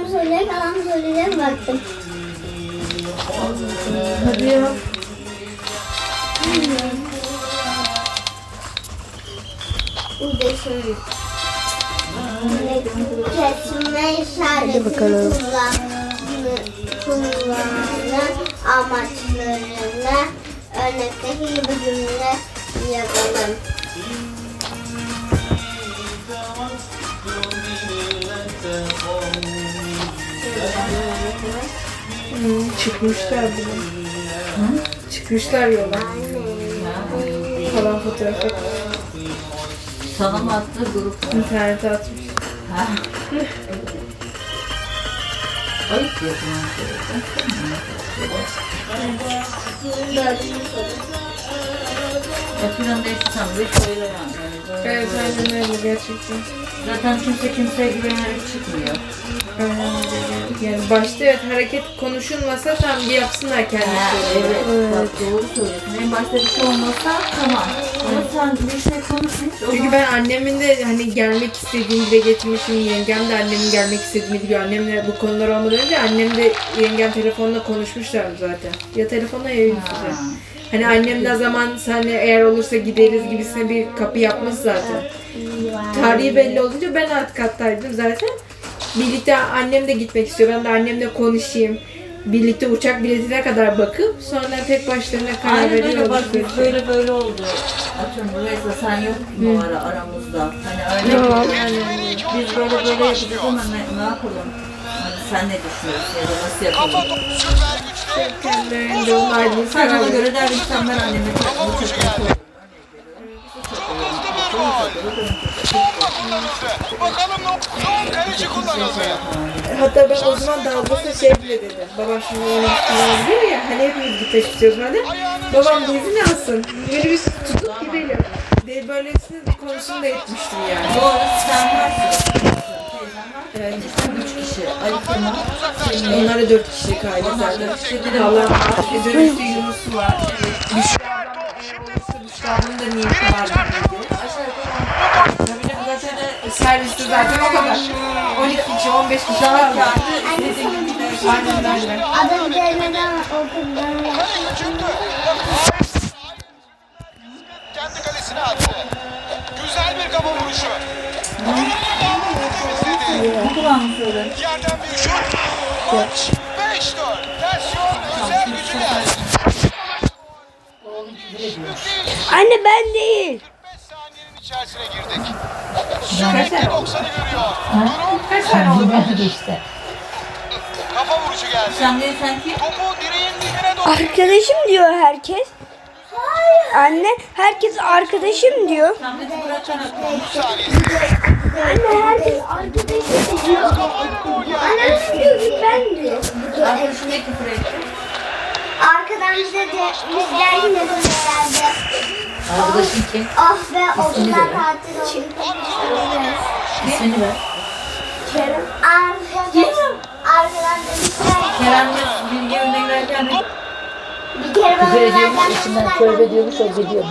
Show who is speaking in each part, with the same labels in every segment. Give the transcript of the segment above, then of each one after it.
Speaker 1: söyleyerek adam söyleyeceğim baktım.
Speaker 2: Hadi ya.
Speaker 1: Burada şöyle. Kesme işareti kullanılan amaçlarını örnekteki gibi cümle yapalım.
Speaker 2: Çıkmışlar bile. Çıkmışlar yola. Falan fotoğrafı.
Speaker 3: Sana mı attı grup?
Speaker 2: İnternete atmış.
Speaker 3: Ha. Ayıp yapın. Yapılan da işte sen de şöyle yani.
Speaker 2: Evet aynen öyle gerçekten.
Speaker 3: Zaten kimse kimseye güvenerek çıkmıyor.
Speaker 2: Yani başta evet hareket konuşulmasa tam bir yapsınlar kendisi.
Speaker 3: Evet. Bak doğru söylüyorsun. En başta bir şey olmasa tamam. Ama sen bir şey konuşmuş.
Speaker 2: Çünkü ben annemin de hani gelmek istediğini dile getirmişim. Yengem de annemin gelmek istediğini biliyor. Annemle bu konular olmadan önce annem de yengem telefonla konuşmuşlardı zaten. Ya telefonla ya yüz yüze. Hani annem ne zaman senle eğer olursa gideriz gibisine bir kapı yapmış zaten. Tarihi belli olunca ben alt kattaydım zaten. Birlikte annem de gitmek istiyor. Ben de annemle konuşayım. Birlikte uçak biletine kadar bakıp sonra tek başlarına karar
Speaker 3: Aynen öyle
Speaker 2: veriyorlar.
Speaker 3: bak biz böyle oldu. Atıyorum Reza sen yoktun o ara aramızda. Hani öyle
Speaker 2: Yok.
Speaker 3: biz böyle yapacağız ama ne yapalım? Hani sen ne düşünüyorsun ya da nasıl yapalım?
Speaker 2: Kendilerinde onlardan
Speaker 3: Sen ona
Speaker 2: karar
Speaker 3: göre derdim sen ben anneme çok
Speaker 4: Bakalım son kaleci kullanıldı.
Speaker 2: Hatta ben o zaman dalgasına şey bile dedim. Babam şimdi onu diyor ya hani hepimiz gitmek istiyoruz böyle. Babam da izin alsın. Minibüs tutup gidelim. De böylesine konusunu da etmiştim yani.
Speaker 3: Doğru sen varsın.
Speaker 2: Evet.
Speaker 3: Sen 3 kişi. Ali Kemal.
Speaker 2: Onlar da 4 kişilik aile zaten. Allah var. Dönüşte Yunus'u var. Büşra ablam eğer olursa Büşra ablanın da niyeti var dedi. Tabii canım zaten serviste zaten o kadar. 12 kişi, 15 kişi kaldı. Aynen öyle.
Speaker 1: Adam gelmeden okuldan
Speaker 4: Kaleye çıktı. Kendi kalesine attı. Güzel bir kafa vuruşu.
Speaker 3: Ne kulağını söyle.
Speaker 4: Yerden bir şut. Maç 5-4. Versiyon özel gücüne.
Speaker 1: Anne ben değil.
Speaker 4: 45 saniyenin içerisine girdik.
Speaker 2: Kaç tane oldu?
Speaker 4: 90'ı görüyor. Durum
Speaker 2: Kaç tane oldu?
Speaker 3: işte.
Speaker 4: kafa vuruşu geldi.
Speaker 3: Sen değil sen kim?
Speaker 4: Topu direğin dibine doğru.
Speaker 5: Arkadaşım diyor herkes. Anne herkes arkadaşım diyor.
Speaker 3: Samet'i bırakarak.
Speaker 4: 30 saniye.
Speaker 5: Anne herkes arkadaşım diyor.
Speaker 4: Kafayla gol geldi.
Speaker 5: Anne diyor ki ben diyor.
Speaker 3: Arkadaşım ne küfür etti?
Speaker 1: Arkadan bize de bizler yine dönerlerdi.
Speaker 3: Arkadaşın kim?
Speaker 1: Oh be okullar tatil oldu.
Speaker 3: İsmini ver.
Speaker 1: Kerem. Arkadan demişler.
Speaker 3: Kerem bilgi önüne girerken de
Speaker 1: Bir kere bana verken
Speaker 3: içinden tövbe diyormuş o gidiyormuş.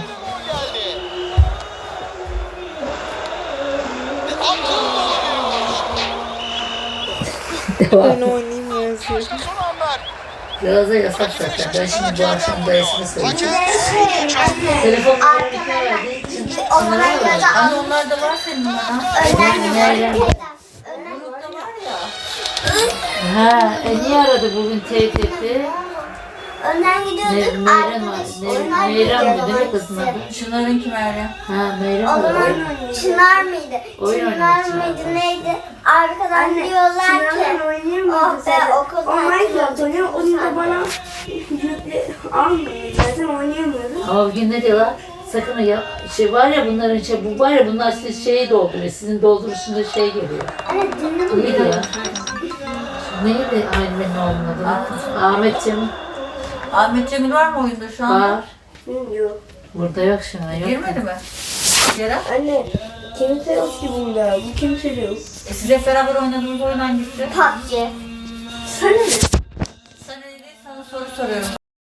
Speaker 2: Ben oynayayım ya.
Speaker 4: Son anlar.
Speaker 3: Yağız'a yasak zaten. Ben şimdi bu akşam dayısını söyleyeceğim.
Speaker 4: Hakem
Speaker 3: Telefon
Speaker 1: Onlar ya da
Speaker 3: Anne onlar da var senin bana.
Speaker 1: önden gidiyor.
Speaker 3: Grupta var ya. Ha, niye aradı bugün teyzesi?
Speaker 1: Önden gidiyorduk.
Speaker 3: Meyrem mi değil mi kızın adı? Şunların kim Meryem? Ha Meyrem mi?
Speaker 1: Çınar mıydı?
Speaker 3: Oyun
Speaker 1: Çınar
Speaker 3: oynuyor
Speaker 1: mıydı neydi? Arkadan diyorlar ki oh be okul tatil oldu.
Speaker 5: Onu da bana almıyor. Zaten oynayamıyorum.
Speaker 3: Ama bugün ne diyorlar? Sakın ya şey var ya bunların bu var ya bunlar siz şeyi dolduruyor. Sizin dolduruşunda şey geliyor.
Speaker 1: Evet dinledim.
Speaker 3: Neydi ya? Neydi Aymen'in oğlunun adı? Ahmet Cemil. Ahmet Cemil var mı oyunda şu an? Var.
Speaker 5: Yok.
Speaker 3: Burada yok şu an. Yok. Girmedi mi? Yara?
Speaker 5: Anne kimse yok ki bunda. Bu kimse de yok.
Speaker 3: Siz hep beraber oynadığınız oyun hangisi?
Speaker 1: PUBG.
Speaker 5: Sana ne?
Speaker 3: Sana ne değil sana soru soruyorum